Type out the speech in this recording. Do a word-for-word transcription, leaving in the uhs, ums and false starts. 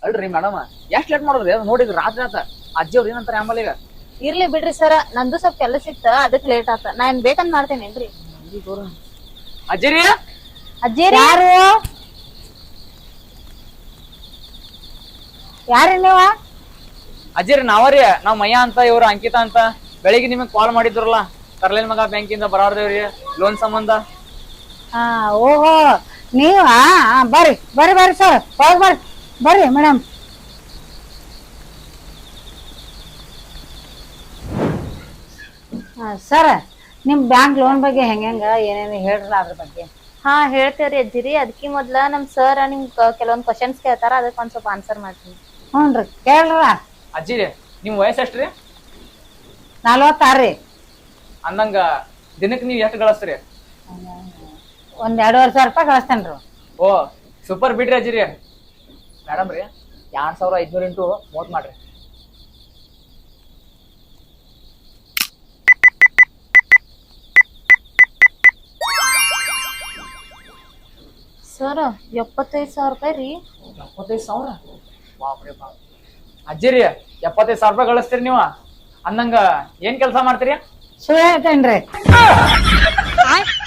ಅಲ್ರಿ ಮೇಡಮ್ ಎಷ್ಟ್ ಲೇಟ್ ಮಾಡೋದ್ರಿ ಅದು ನೋಡಿದ್ರಿ ರಾತ್ರಿ ಆತ ಅಜ್ಜಿ ಅವ್ರ ಏನಂತಾರ ಆಂಬಲ್ ಈಗ ಇರ್ಲಿ ಬಿಡ್ರಿ ಸರ, ನಂದು ಸ್ವಲ್ಪ ಕೆಲಸ ಇತ್ತ ಅದಕ್ ಲೇಟ್ ಆತ. ನಾ ಏನ್ ಬೇಕಂತ ಮಾಡ್ತೇನೇನ್ರಿ? ಅಜ್ಜಿರಿ ಅಜ್ಜಿ ಯಾರು ಯಾರು ನೀವ? ಅಜ್ಜಿರಿ ನಾವರಿ ನಾವ್ ಮಯ್ಯ ಅಂತ ಇವ್ರು ಅಂಕಿತಾ ಅಂತ ಬೆಳಿಗ್ಗೆ ನಿಮಗ್ ಕಾಲ್ ಮಾಡಿದ್ರಲ್ಲ ಕರ್ಲೇನ್ ಮಗ ಬ್ಯಾಂಕಿಂದ ಬರಾರ್ದೇವ್ರಿ ಲೋನ್ ಸಂಬಂಧ. ಹಾ ಓಹೋ ನೀವ ಬರ್ರಿ ಬರ್ರಿ ಬರ್ರಿ ಸರ್ ಹೋಗ್ ಬರ್ರಿ ಬರ್ರಿ ಮೇಡಮ್. ಸರ್ ನಿಮ್ ಬ್ಯಾಂಕ್ ಲೋನ್ ಬಗ್ಗೆ ಹೆಂಗ ಏನೇನು ಹೇಳ್ರಲ್ಲ ಅದ್ರ ಬಗ್ಗೆ. ಹಾ ಹೇಳ್ತೇವ್ರಿ ಅಜ್ಜಿರಿ. ಅದಕ್ಕಿ ಮೊದ್ಲ ನಮ್ ಸರ್ ನಿಮ್ ಕೆಲವೊಂದ್ ಕ್ವಶನ್ಸ್ ಕೇಳ್ತಾರ, ಅದಕ್ಕೆ ಒಂದ್ ಸ್ವಲ್ಪ ಆನ್ಸರ್ ಮಾಡ್ತೀನಿ. ಹ್ಞೂನ್ರಿ ಕೇಳ್ರ. ಅಜ್ಜಿರಿ ನಿಮ್ ವಯಸ್ಸ ಎಷ್ಟ್ರಿ? ನಲ್ವತ್ತಾರ್ರಿ. ಅಂದಂಗ ದಿನಕ್ಕೆ ನೀವ್ ಎಷ್ಟು ಗಳಿಸ್ತೀರಿ? ಒಂದ್ ಎರಡೂವರೆ ಸಾವಿರ ರೂಪಾಯಿ ಕಳಿಸ್ತೇನ್ರಿ. ಓ ಸೂಪರ್ ಬಿಡ್ರಿ ಅಜ್ಜಿರಿ. ಮೇಡಮ್ ರೀ ಎರಡ್ ಸಾವಿರ ಐದ್ನೂರ ಇಂಟು ಮೂವತ್ ಮಾಡ್ರಿ. ಸರ್ ಎಪ್ಪತ್ತೈದು ಸಾವಿರ ರೂಪಾಯಿ ರೀ. ಎಪ್ಪತ್ತೈದು ಸಾವಿರ ಬಾಪ್ರೆ ಬಾಪ್. ಅಜ್ಜಿರಿ ಎಪ್ಪತ್ತೈದು ಸಾವಿರ ರೂಪಾಯಿ ಗಳಿಸ್ತೀರಿ ನೀವು ಅಂದಂಗ ಏನ್ ಕೆಲಸ ಮಾಡ್ತೀರಿ? ಸುಳ್ಳು ಹೇಳ್ತೇನ್ರಿ.